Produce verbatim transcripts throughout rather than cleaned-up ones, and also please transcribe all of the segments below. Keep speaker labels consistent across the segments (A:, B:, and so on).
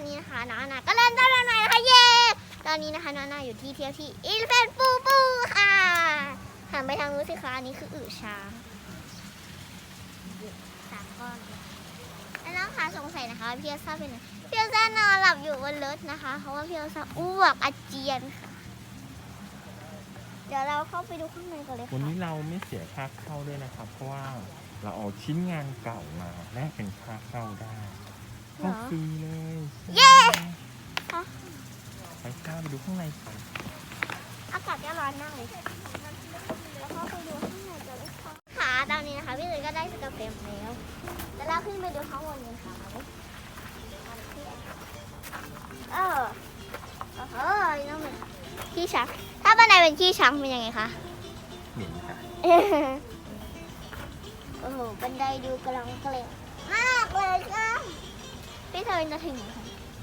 A: นี้นะคะน้านาก็เล่นได้แล้วหน่อยนะคะเย้ตอนนี้นะคะน้านาอยู่ที่เที่ยวที่อิเลฟเฟนปูปูค่ะหันไปทางนู้นสิคะอันนี้คืออึช้างสามก้อนแล้วน้องคะสงสัยนะคะพี่เอลซ่าเป็นไงพี่เอลซ่านอนหลับอยู่บนรถนะคะเพราะว่าพี่เอลซ่าอ้วกอาเจียนค่ะเดี๋ยวเราเข้าไปดูข้างในกันเลยค่ะ
B: วันนี้เราไม่เสียค่าเข้าด้วยนะครับเพราะว่าเราเอาชิ้นงานเก่ามาแลกเป็นค่าเข้าได้เข้าฟรีเลยเย้ไปข้าวไปดูข้างในกัน
A: อากาศก็ร้อนมากเลยแล้วเข้าไปดูข้างในกันเลยค่ะค่ะตอนนี้นะคะพี่เลยก็ได้สกาแฟแล้วแล้วเราขึ้นไปดูข้างบนกันค่ะเออเออน้องเหม็นขี้ช้างถ้าบันไดเป็นขี้ช้างเป็นยังไงคะ
B: เหม็นค่ะ
A: โอ้โหบันไดดูกำลังเกลียดมากเลยค่ะพี่เซเว่นจะถึงค่ะ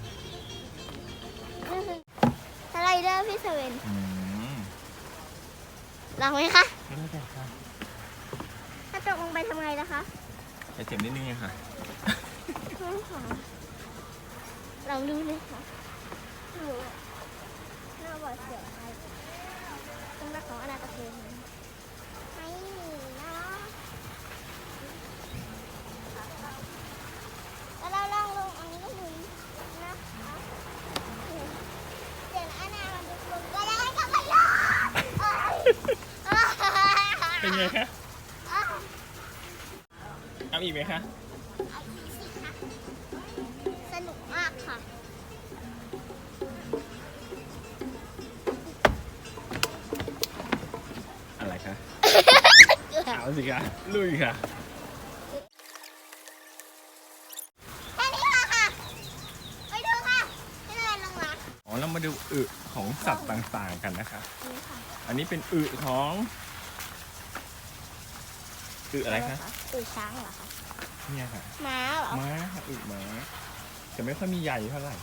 A: สไลเดอร์พี่เซเว่นลองไหมคะ
B: ไม่ได้ค่ะ
A: ถ้าตกลงไปทำไงล่ะคะ
B: จะเจ็บนิดนึงค่ะ
A: ลองดูเลยค่ะน่าหวาดเสียวไปต้องรักของอนาคตเองไม่มีนะแล้วเราลองลงอันนี้ก็ดูนะคะเดี๋ยวอนามันจะลงก็ได้ก็ไม่รอด
B: เป็นไงคะเอาอีกไหมคะ
A: เอาอีกสิคะสนุกมากค่ะ
B: อะไรคะเอาสิคะลุยค่ะ
A: แค่นี้ค่ะไปดูค่ะที่เดินลงมา
B: อ๋อเรามาดูอึของสัตว์ต่างๆกันนะคะอันนี้เป็นอึของอึอะไรคะ
A: อึช้างเหรอคะ
B: เนี่ยค่ะ
A: ม้าเหรอ
B: ม้าค่ะอึม้าแต่ไม่ค่อยมีใยเท่าไหร่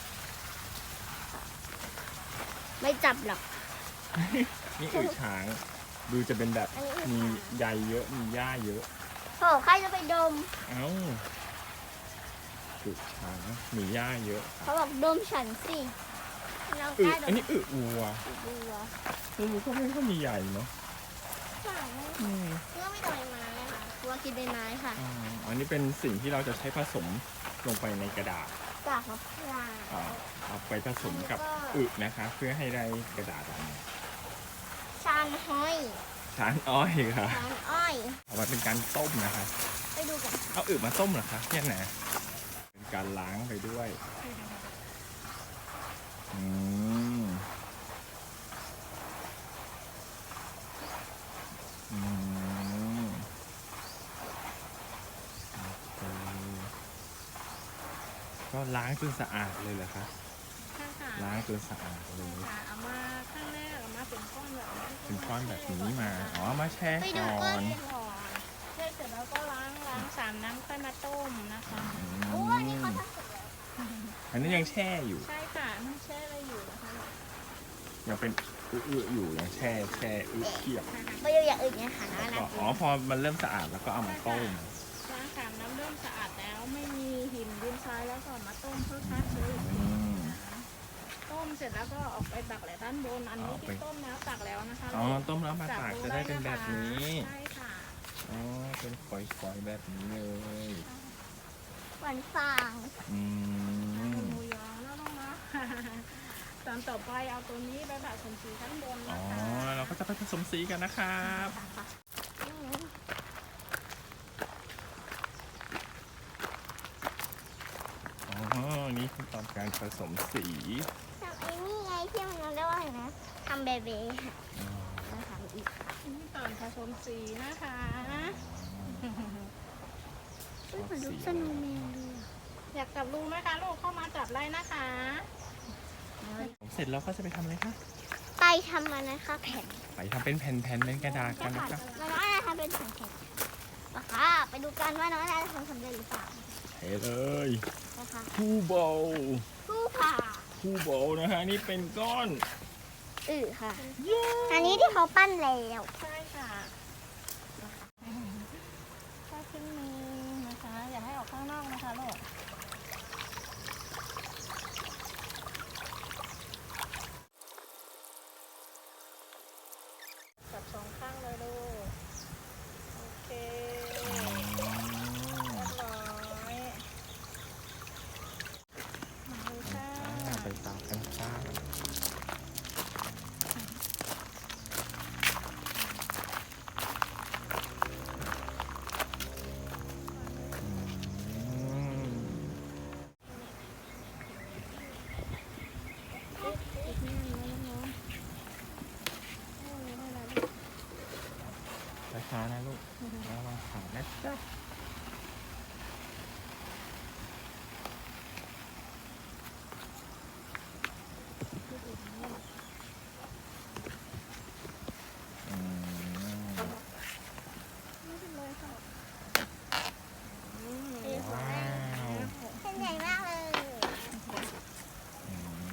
A: ไม่จับหรอก
B: นี่อึช้างดูจะเป็นแบบมีใยเยอะมีหญ้าเยอะ
A: โหใครจะไปดม
B: เอ้าอึช้างมีหญ้าเยอะ
A: เขาบอกดมฉันสิ
B: อึอันนี้อึวัวอึวัวอึก็ไม่ค่อยมีใยเนาะ
A: อืมเพื่อไม่โดนไม้ค่ะวัวกินใบไม้ค่ะ
B: อันนี้เป็นสิ่งที่เราจะใช้ผสมลงไปในกระดาษ
A: กากมะพร้าว
B: เอาไปผสมกับอึนะคะเพื่อให้ได้กระดาษออกมา
A: ชานอ้อย
B: ชานอ้อยค่ะ
A: ชานอ้อย
B: เอามาเป็นการต้มนะคะ
A: ไปดูกัน
B: เอาอึมาต้มเหรอคะเนี่ยนะเป็นการล้างไปด้วยอืมอืมก็ล้างจนสะอาดเลยเหรอคะล้างจนสะอาดเลย
C: เอามาข้างแรกเอามาเป็นก้อนแบบนี้
B: เป็นก้อนแบบนี้มาอ๋อมาแช่ก่อน
C: แช่เสร็จแล้วก็ล้างล้างสามน้ำค่อยมาต้มนะคะ
A: โอ้ยนี่เขาทำเสร็จแล้ว
B: อันนี้ยังแช่อยู่
C: ใช่ค่ะมันแช่อะไรอยู่นะคะ
B: ยังเป็นอื้ออยู่ยังแช่แช่อื้อเทียบ
A: ไปดูอย่างอื่นเนี่ยค่ะนะ
B: อ๋อพอมันเริ่มสะอาดแล้วก็เอามาต้ม
C: ล้างสามน้ำเริ่มสะอาดแล้วไม่มีหินดินทรายแล้วก็มาต้มเพื่อฆ่าเชื้อต้มเสร็จแล้วก็ออกไปตักแหละด้านบนอันนี้ที่ต้มแล้วตักแล้วนะคะ
B: อ๋อต้มแล้วมาตักจะได้เป็นแบบนี้
C: ใช่ค่ะ
B: อ๋อเป็นฝอยๆแบบนี้เลย
A: หวานฟาง
B: อืม
C: หมูยอแล้วลงมาตอนต่อไปเอาตัวนี้ไปแบบผสมสีข้างบน
B: อ๋อเราก็จะไปผสมสีกันนะครับอ๋อนี่คือตอนการผสมสี
A: ทำไอ้นี่ไงที่มันเรียกว่าอะไรนะทำเบเบ้ค่ะแล้วทำอีก
C: นี่ตอนผสมสีนะคะ
A: เหมือนลูกสนุกแมวเลย
C: อยากจับลูกไหมคะลูกเข้ามาจับไล่นะคะ
B: เสร็จแล้วก็จะไปทำอะไรคะ
A: ไปทำมันนะคะแผ่น
B: ไปทำเป็นแผ่นๆเป็นกระดาษกันนะคะ
A: น้องอาทำเป็นแผ่นๆนะคะไปดูกันว่าน้องอาจะทำสำเร็จหรือเปล่า
B: เฮ้เลย
A: นะคะ
B: คู่โบ
A: คู่ผ่า
B: คู่โบนะฮะนี่เป็นก้อน
A: อือค่ะอันนี้ที่เขาปั้นแล้ว
C: ใช่ค่ะถ้าขึ้นมือนะคะอย่าให้ออกข้างนอกนะคะลูก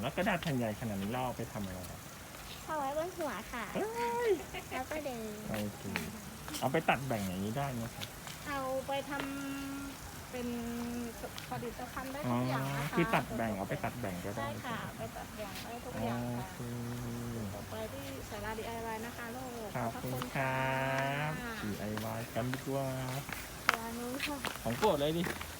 B: แล้วกระดาษแผ่นใหญ่ขนาดนี้เราเอาไปทำอะไรอะ
A: เอาไว้บนหัวค่ะ
B: เอ้ย
A: แล้วก็เดิน
B: โอเคเอาไปตัดแบ่งอย่างนี้ได้ไหมครับ
C: เอาไปทำเป็นผลิตภัณฑ์ได้
B: อ๋อ
C: ทุกอย่างนะคะ
B: คือตัดแบ่งเอาไปตัดแบ่งก็ได้
C: ใช่ค่ะ ไปตัดแบ่งได้ทุก
B: โอ
C: อย่างค่ะ
B: เค
C: ต่อไปที่สารา ดี ไอ วาย นะคะลูก
B: ขอบคุณครับ ดี ไอ วาย กันดีกว่า
A: ตัวนู้นค่ะ
B: ของโปรดเลยดิ
A: ข